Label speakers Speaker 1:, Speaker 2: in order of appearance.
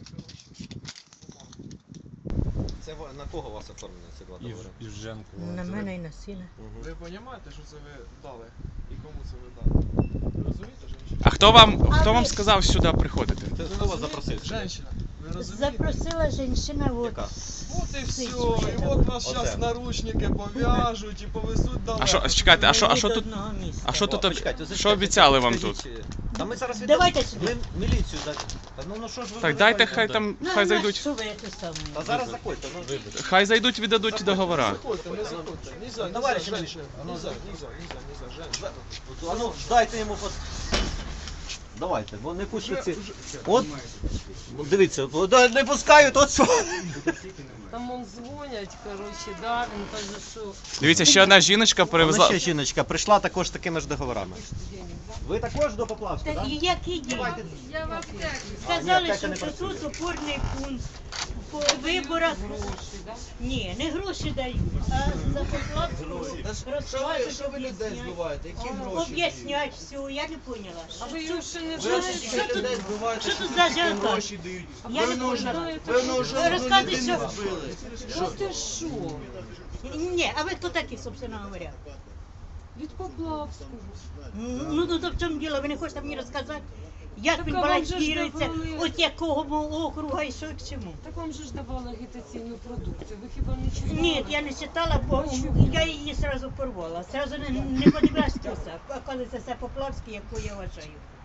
Speaker 1: Це на кого у вас оформлені ці два договори?
Speaker 2: Івженко.
Speaker 3: На мене і на сина.
Speaker 4: Ви розумієте, що це ви дали? І кому це ви дали? Ви розумієте, женщина?
Speaker 5: А хто вам сказав сюди приходити?
Speaker 1: Це хто вас запросив?
Speaker 4: Женщина, ви розумієте?
Speaker 3: Запросила жінка, от.
Speaker 1: Яка?
Speaker 4: От і все, і от нас
Speaker 1: Оце.
Speaker 4: зараз наручники пов'яжуть і повезуть далеко.
Speaker 5: А що, чекайте, а що
Speaker 3: До
Speaker 5: тут?
Speaker 3: одного місця.
Speaker 5: А що тут?
Speaker 1: Почекайте,
Speaker 5: Що обіцяли вам тут?
Speaker 1: скажіть, Та ми зараз
Speaker 3: Давайте сюди.
Speaker 1: Ми міліцію дати. Ну що ж ви
Speaker 5: Так,
Speaker 1: вже
Speaker 5: дайте
Speaker 1: давайте,
Speaker 5: хай
Speaker 1: да.
Speaker 5: там,
Speaker 3: Ну,
Speaker 5: хай
Speaker 3: а
Speaker 5: зайдуть.
Speaker 3: що ви це саме?
Speaker 1: Та зараз заходьте. Ну,
Speaker 5: Хай зайдуть, віддадуть договора.
Speaker 4: Заходьте, не заходьте. Нельзя,
Speaker 1: Товарищ
Speaker 4: нельзя, женщина.
Speaker 1: Андрій,
Speaker 4: Нельзя, женщина.
Speaker 1: А ну, дайте йому Давайте, бо не пуститься. От, дивіться, не пускають, от що.
Speaker 6: Там он дзвонять, коротше, да, він каже, що
Speaker 5: Дивіться, ще одна жіночка
Speaker 1: Вона
Speaker 5: перевезла.
Speaker 1: ще жіночка прийшла також з такими ж договорами. Ви також до Поплавська,
Speaker 3: Та
Speaker 1: так?
Speaker 3: які дії?
Speaker 6: я в аптеці.
Speaker 3: Сказали,
Speaker 1: аптека
Speaker 3: що
Speaker 1: не працює.
Speaker 3: тут опорний пункт по виборах. Ні, не гроші дають, а за Поплавську розкажуть,
Speaker 7: Що ви людей збиваєте? Які гроші?
Speaker 3: об'яснять все, я не поняла.
Speaker 6: А ви його ще не
Speaker 7: Ви
Speaker 6: знаєте?
Speaker 7: що людей збиваєте?
Speaker 3: що тут
Speaker 7: які
Speaker 3: за ажіотаж?
Speaker 7: гроші дають?
Speaker 3: Я не
Speaker 7: Певно,
Speaker 3: поняла.
Speaker 7: Певно, вже одну
Speaker 3: Розказуй,
Speaker 7: людину
Speaker 3: що-
Speaker 7: збили.
Speaker 6: Що ти що?
Speaker 3: Ні, а ви хто такі, собственно говоря?
Speaker 6: Від Поплавського.
Speaker 3: Ну, то в чому діло, ви не хочете мені розказати? Як
Speaker 6: Так,
Speaker 3: він
Speaker 6: а вам же ж
Speaker 3: балансується,
Speaker 6: давали.
Speaker 3: от якого округа і що і к чому?
Speaker 6: Так вам же ж давали агітаційну продукцію. Ви хіба не читали?
Speaker 3: Ні, я не читала, бо я її одразу порвала. Одразу не подивилась, що це. Оказується, це Поплавський, яку я вважаю.